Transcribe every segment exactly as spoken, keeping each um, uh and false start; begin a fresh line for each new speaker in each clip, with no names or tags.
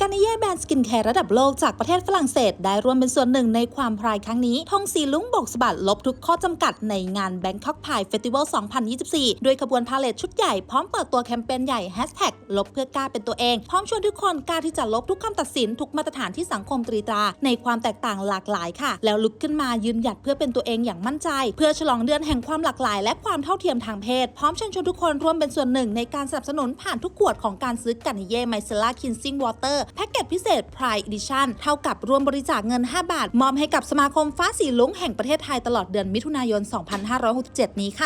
กานิเย่แบรนด์สกินแคร์ระดับโลกจากประเทศฝรั่งเศสได้ร่วมเป็นส่วนหนึ่งในความพรายครั้งนี้ธงสีลุ้งโบกสะบัดลบทุกข้อจำกัดในงาน Bangkok Pride Festival สองพันยี่สิบสี่ ด้วยขบวนพาเลทชุดใหญ่พร้อมเปิดตัวแคมเปญใหญ่ แฮชแท็ก ลบเพื่อกล้าเป็นตัวเองพร้อมชวนทุกคนกล้าที่จะลบทุกคำตัดสินทุกมาตรฐานที่สังคมตรีตราในความแตกต่างหลากหลายค่ะแล้วลุกขึ้นมายืนหยัดเพื่อเป็นตัวเองอย่างมั่นใจเพื่อฉลองเดือนแห่งความหลากหลายและความเท่าเทียมทางเพศพร้อมเชิญชวนทุกคนร่วมเป็นส่วนหนึ่งในการสนับสนุนผ่านทุกขวดของการซื้อกานิเย่ไมเซล่าคินซิ่งวอเตอร์แพ็กเกจพิเศษ Pride Edition เท่ากับรวมบริจาคเงินห้าบาทมอบให้กับสมาคมฟ้าสีลุ้งแห่งประเทศไทยตลอดเดือนมิถุนายน สองพันห้าร้อยหกสิบเจ็ด นี้ค่ะ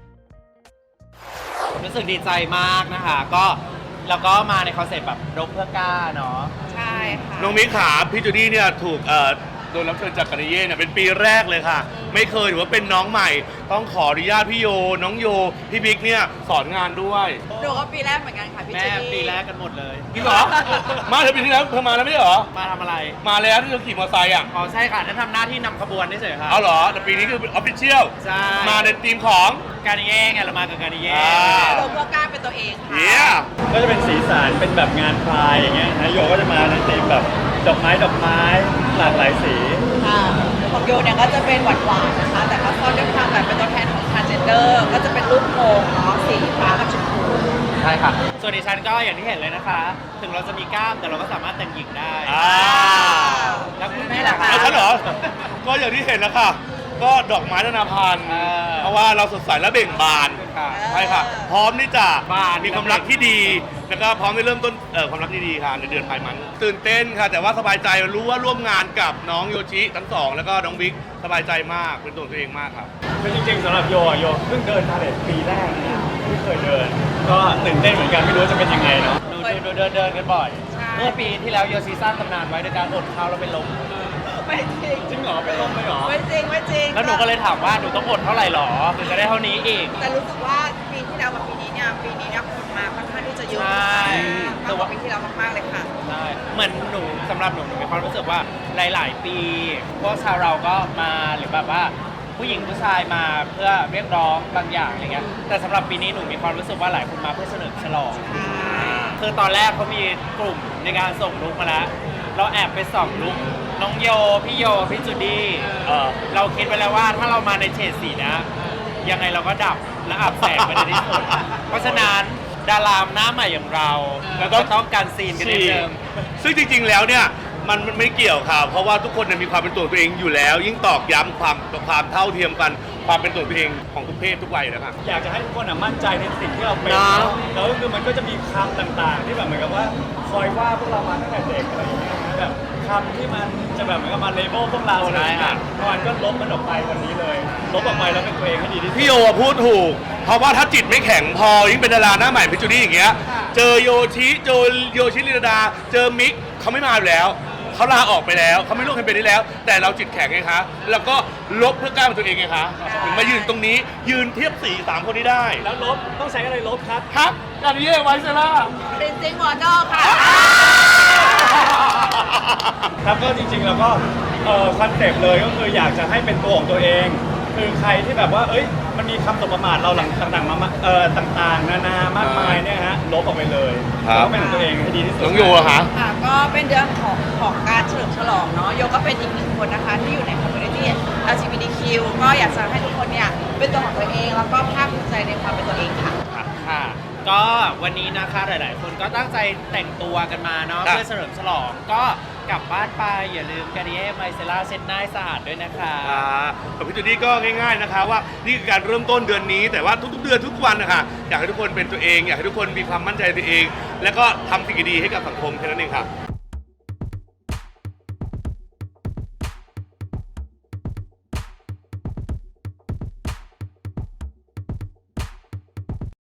รู้สึกดีใจมากนะคะก็แล้วก็มาในคอนเซ็ปต์แบบรบเพื่อกล้าเนาะ
ใช่ค่ะ
น้องมิกขาพี่จูดี้เนี่ยถูกเอ่อโดนรับเชิญจากกานิเย่เนี่ยเป็นปีแรกเลยค่ะไม่เคยถือว่าเป็นน้องใหม่ต้องขออนุญาตพี่โยน้องโยพี่บิ๊กเนี่ยสอนงานด้วย
หนูก็ปีแรกเหมือนกันค่ะพี่
แม่
จูดี้
ปีแรกกันหมดเลย
จริงเหรอ มาเธอปีที่แล้วเธอมาแล้วไม่ใช่เหรอ
มาทำอะไร
มาแล้วที่เธอขี่มอเตอร์ไซค์อ่ะ
อ๋อใช่ค่ะนั่นทำหน้าที่นำขบวนเฉยๆค่ะ
เอาเหรอแต่ปีนี้คือออฟฟิเชียล
ใช่
มาในทีมของ
กานิเย่ไงเรามากับกานิเย่
ลบเพื่อกล้าเป็นตัวเองค่ะ
yeah
ก็จะเป็นสีสันเป็นแบบงานพรายอย่างเงี้ยนะโยก็จะมาในธีมแบบดอกไม้ดอกไม้หลากหลายสี
ค่ะของโยเนี่ยก็จะเป็นหวานๆนะคะแต่ก็ซ่อนด้วยความแบบเป็นตัวแทนของ transgender ก็จะเป็นรูปโป่งเนาะสีฟ้ากับชมพู
ใช่ค่ะส่วนดิฉันก็อย่างที่เห็นเลยนะคะถึงเราจะมีกล้ามแต่เราก็สามารถแต่งหญิงได้แล้วคุณแม่ล่ะคะ
แล้วฉันเหรอก็อย่างที่เห็นแล้วค่ะก็ดอกไม้นานาพันธุ์เพราะว่าเราสดใสและเบ่งบานใช่ค่ะพร้อมที่จะมีความรักที่ดีแล้วก็พร้อมที่เริ่มต้นความรักที่ดีค่ะในเดือนพายมันตื่นเต้นค่ะแต่ว่าสบายใจรู้ว่าร่วมงานกับน้องโยชิทั้งสองแล้วก็น้องบิ๊กสบายใจมากเป็นตัวตัวเองมากครับ
คือจริงๆสำหรับโยโยเพิ่งเดินพาเลทปีแรกนะไม่เคยเดินก็ตื่นเต้นเหมือนกันไม่รู้จะเป็นยังไงเนาะ
ดูดูเดินเดินกันบ่อยเมื่อปีที่แล้วโยชิสร้างตำนานไว้โดยการอดข้าวแล้วเป็นลม
ไม่จริง
จริงเหรอเป็นลมเลยเหรอ
ไม่จริงไม่จริง
แล้วหนูก็เลยถามว่าหนูต้องอดเท่าไหร่หรอถึงจะได้เท่านี้อีก
แต่รู้สึกว่าปีที่แล้วกับปีนี้เนี่ยปีนี้เนี่ยคนมาค่อนข้างที่จะเยอะ
ใช่
มากกว่าปีที่แล้วมากๆเลยค่ะ
ใช่เหมือนหนูสำหรับหนูหนูมีความรู้สึกว่าหลายๆปีพวกชาวเราก็มาหรือแบบว่าผู้หญิงผู้ชายมาเพื่อเรียกร้องบางอย่างอะไรเงี้ยแต่สำหรับปีนี้หนูมีความรู้สึกว่าหลายคนมาเพื่อเฉลิมฉลองคือตอนแรกเขามีกลุ่มในการส่งลุกมาแล้วเราแอบไปส่องลุกน้องโยพี่โยพี่จูดี้เราคิดไว้แล้วว่าถ้าเรามาในเฉดสีนะยังไงเราก็ดับและอับแสงไปในที่สุดเพราะฉะนั้นดารามหน้าใหม่อย่างเราแล้วก็ต้องการซีนกันนิดนึง
ซึ่งจริงๆแล้วเนี่ยมันไม่เกี่ยวค่ะเพราะว่าทุกคนมีความเป็นตัวตัวเองอยู่แล้วยิ่งตอกย้ำความความเท่าเทียมกันความเป็นตัวตัวเองของทุกเพศทุกวัยนะครับ
อยากจะให้ทุกคนมั่นใจในสิ่งที่เราเป็นแล้วก็คือมันก็จะมีคำต่างๆที่แบบเหมือนกับว่าคอยว่าพวกเรามาตั้งแต่เด็กอะไรอย่างเงี้ยแบบคำที่มันจะแบบเหมือนกับมาเลเบลพวกเราอะไรอย่างเงี้ยมันก็ลบมันออกไปวันนี้เลยลบออกไปแล้วเป็นตัวเองให้ดีที่สุด
พี่โยพูดถูกเพราะว่าถ้าจิตไม่แข็งพอยิ่งเป็นดาราหน้าใหม่พิจูดี้อย่างเงี้ยเจอโยชิเจอโยชิลินดาเจอมิกเขาไม่มาอยู่แล้วเขาลาออกไปแล้วเขาไม่ร่วมแคมเปญนี้แล้วแต่เราจิตแข็งไงคะแล้วก็ลบเพื่อกล้าเป็นตัวเองไงคะถึงมายืนตรงนี้ยืนเทียบสี่สามคนนี้ได้
แล้วลบต้องใช้อะไรลบครับ
ครับกานิเย่ไวเซล่า
เป็นซิงวอเตอร์ค่ะ
ครับก็จริงๆแล้วก็คอนเซ็ปต์เลยก็คืออยากจะให้เป็นตัวของตัวเองคือใครที่แบบว่าเอ้ยมันมีคำสบประมาทเราหลังต่างๆมาเอ่อต่างๆนานามากมายเนี่ยฮะลบออกไปเลยแล้วเป็นตัวเองให้ดีที่สุด
น้องโยอะคะ
ค่ะก็เป็นเดือนของของการเฉลิมฉลองเนาะโยก็เป็นอีกหนึ่งคนนะคะที่อยู่ในคอมมูนิตี้ แอล จี บี ที คิว ก็อยากจะให้ทุกคนเนี่ยเป็นตัวของตัวเองแล้วก็ภาคภูมิใจในความเป็นตัวเองค่ะ
ค่ะก็วันนี้นะคะหลายๆคนก็ตั้งใจแต่งตัวกันมาเนาะเพื่อเฉลิมฉลองก็กลับบ้านไปอย่าลืมกานิเย่ไมเซล่าเช็ดหน้าสะอาดด้วยนะคะ
กับพี่จูดี้ก็ง่ายๆนะคะว่านี่คือการเริ่มต้นเดือนนี้แต่ว่าทุกๆเดือนทุกวันนะคะอยากให้ทุกคนเป็นตัวเองอยากให้ทุกคนมีความมั่นใจในตัวเองแล้วก็ทำสิ่งดีๆให้กับสังคมแค่นั้นเองค่ะ